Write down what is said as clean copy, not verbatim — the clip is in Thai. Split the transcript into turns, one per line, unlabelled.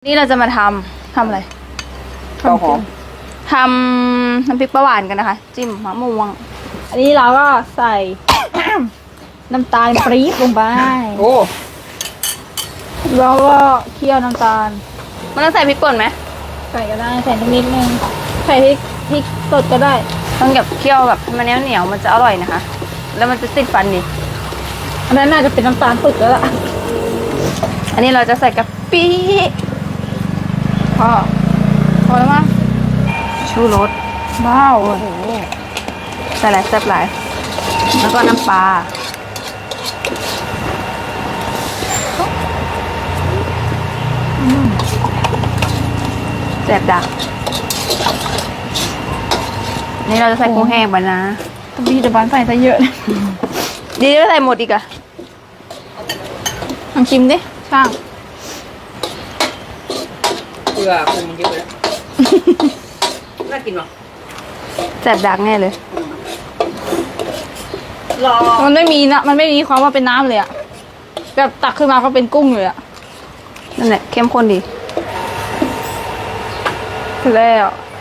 นี่เราจะมาทำอะไร
เต้าหอม
ทำน้ำพริกปลาหวานกันนะคะ จิ้มมะม่วง
อันนี้เราก็ใส่ น้ำตาลปรี๊บลงไป
โอ้
แล้วก็เคี่ยวน้ำตาล
มันต้องใส่พริกป่นไหม
ใส่ก็ได้ใส่นิดนึงใส่พริกสดก็ได้
ต้องแบบเคี่ยวแบบให้มันเหนียวมันจะอร่อยนะคะ แล้วมันจะติดฟันดี
อันนั้นน่าจะเป็นน้ำตาลปึกแล้วล่ะ
อันนี้เราจะใส่กะปิพอแล้วมั้งชูรส
ว้าว
โอ้โหใส่หลายแซ่บหลายแล้วก็น้ำปลาแซ่บดักนี่เราจะใส่กุ้งแห้งไปนะ
ตบีแต่บ้านใส่ซะเยอะเลย
ดีแล้วใส่หมดอีกอะ
ลองชิมดิช่าง
เกลือปรุงเยอะแล้วน่ากินหรอ
แซ่บดักแน่เลย
รอ
มันไม่มีความว่าเป็นน้ำเลยอะแบบตักขึ้นมาก็เป็นกุ้งเลยอะ
นั่นแหละเข้มข้นดี
คือแล้ว